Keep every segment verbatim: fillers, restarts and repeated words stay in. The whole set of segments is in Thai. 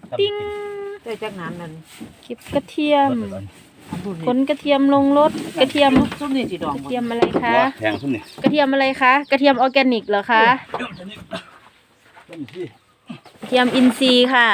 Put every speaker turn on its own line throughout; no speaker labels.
ติ้ง
ได้จักน้ำนั่น
เก็บกระเทียม
อันบุญ
ขนกระเทียมลงรถกระเทียม
ซุ่มนี่สิดอง
กระเทียมอะไรคะ
แพงซุ่มนี่
กระเทียมอะไรคะกระเทียมออร์แกนิกเหรอคะกระเทียมอินทรีย์ค่ะ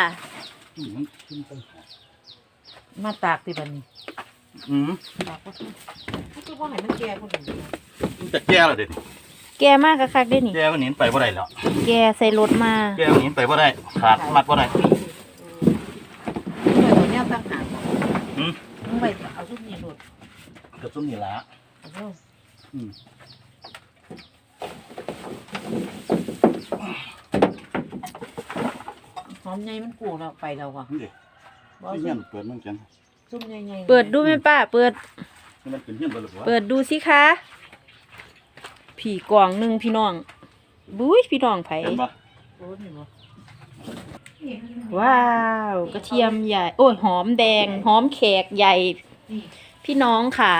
มาตากที่บัดนี้
อืม
ตากก็คือว่าให้มันแก่คนอื่น
มันจะแก้แล้วเด็ด
แกมากกะคักได้นี่
แก้วันนี้ไปบ่ได้แล้ว
แกใส่รถมา
แก้วันนี้ไปบ่ได้ขาดมัดบ่ได้
เดี๋ยวเนี่ยตั้งหาก
อืม
มึงไปเอาซุ่มนี่โดด
กับซุ่มนี่ละ
เอา
อืม
หอมใหญ่มันกูแล้วไปแล้วว่ะ
นี่เด็กที่เงี้ยเปิดมันจัง
ซุ่มใหญ่ๆ
เปิดดูไหมป้าเปิด
นี่มันเป็นเงี้ยเปิดหรือเปล่า
เปิดดูสิคะผีกล่องหนึ่งพี่น้องบุ้ยพี่น้องไผ
เห็นปะ
โอ้นี่บ่
ว้าวกระเทียมใหญ่ โอ้ยหอมแดง หอมแขกใหญ่
นี่
พี่น้องขา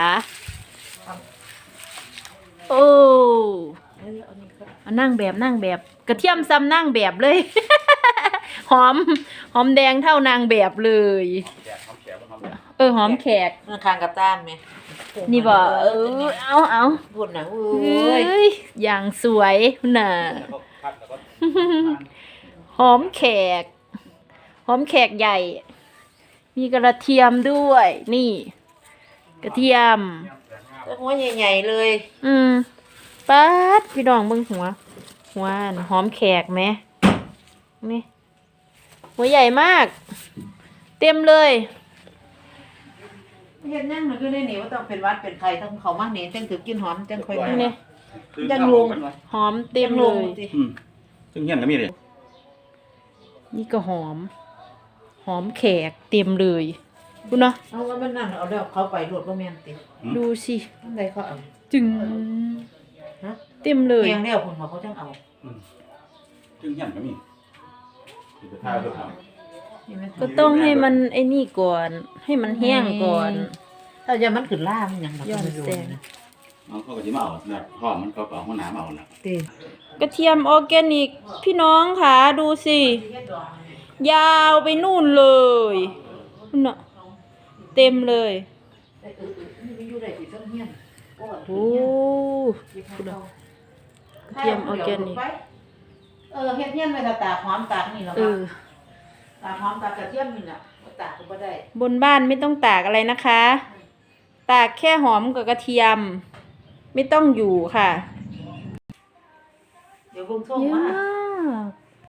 โอ้
เอ้ยเอานี่ครับ
เอานั่งแบบนั่งแบบ กระเทียมซ้ำนั่งแบบเลย หอม หอมแดงเท่านางแบบเลย
แขกหอมแขกมันหอมแขก
เออหอมแขก
มันคางกับต้านไหม
นี่บ่เออเอาเอา
บุญนะเอ
เอ้
้ย
ยอย่างสวยน่ะ
แล้วก็คัดแล้วก็
หอมแขก หอมแขกใหญ่ มีกระเทียมด้วย นี่ กระเทียม
แล้วหัวใหญ่ๆเลย
อืมป๊าดพี่ดองเบิ่งหัว หัวอันหอมแขกไหมนี่หัวใหญ่มาก เต็มเลย
เฮ็ดนั่งมันก็ได้หนีว่าต้องเป็นวัดเป็นใครต้องเขามาเน้นจังถือกินหอมจังค่อยมา
นี่
ยังลง
หอมเต็มเลย
อืมซึ่งเงี้ยก็มีเลย
นี่ก็หอม หอมแขกเต็มเลยคุณเนาะ
เอาว่ามันนั่นเอาแล้วเขาไปรวดบ่แม่นติ
ดูสิ
อันใดเขาเอา
จึง
ฮะ
เต็มเลย
แกงแล้วคนเขาเขาจังเอา
อืมซึ่งเงี้ยก็มีสิไปท่าเพื่อท
นี่มัน
ก็ต้องให้มันไอ้นี่ก่อน ให้มันแห้งก่อน
ถ้าจะมันขึ้นล่ามันหยังดอก
ย้อน
ไม่รู้
แสง
นะ
ำเอาเขาก็จะมาเอาเนี่ยพ่อมันเขาก็เอาห้องน้ำเอาน่ะ
ติ
กระเทียมออร์แกนิก พี่น้องค่ะดูสิ ยาวไปนู่นเลยนู่นน่ะเต็มเลย
เออๆนี่มันอยู่ได้สิต้องเฮียนโอ้
โอ้คุณน่ะกระเทียมออร์แกนิก
เออเฮ็ดเฮียนไว้ถ้าตากหอมตากนี่แหละ
เอ
ค่ะ
อ
ตากหอมตากกระเทียมนี่ล่ะบ่ตากก็บ่ได้
บนบ้านไม่ต้องตากอะไรนะคะ ตากแค่หอมกับกระเทียม ไม่ต้องอยู่ค่ะ
เดี๋ยวเบิ่งส่ง
เยอะ
มา
มาก